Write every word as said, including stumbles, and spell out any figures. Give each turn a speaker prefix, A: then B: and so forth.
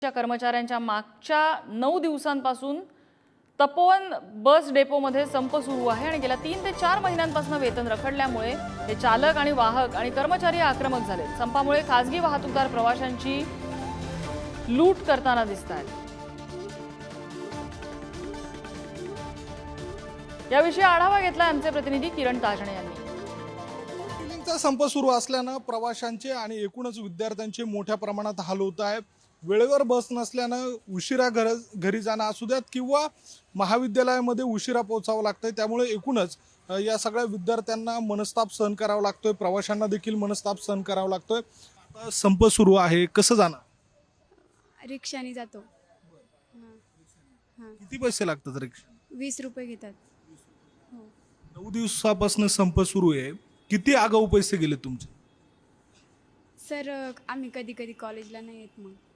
A: कर्मचाऱ्यांच्या मागच्या नऊ दिवसांपासून तपोवन बस डेपोमध्ये संप सुरू आहे आणि गेल्या तीन ते चार महिन्यांपासून वेतन रखडल्यामुळे हे चालक आणि वाहक आणि कर्मचारी आक्रमक झाले। संपामुळे खासगी वाहतूकदार प्रवाशांची लूट करताना दिसतात। याविषयी आढावा घेतला आमचे प्रतिनिधी किरण ताजणे यांनी।
B: चा संप सुरू असल्याने प्रवाशांचे आणि एकूणच विद्यार्थ्यांचे मोठ्या प्रमाणात हाल होत आहे। वेळेवर बस नसल्याने उशिरा घर घरी जाणं असू द्यात किंवा महाविद्यालयामध्ये उशिरा पोहोचावं लागतंय, त्यामुळे एकूणच या सगळ्या विद्यार्थ्यांना मनस्ताप सहन करावा लागतोय, प्रवाशांना देखील मनस्ताप सहन करावा लागतोय। संप सुरू आहे, कसं जाणार?
C: रिक्षाने जातो।
B: किती पैसे लागतात रिक्षा?
C: वीस रुपये घेतात। हो,
B: नऊ दिवसापासून संप सुरू आहे, किती आगाऊ पैसे गेले तुमचे?
C: सर आम्ही कधी कधी कॉलेजला नाही येत मग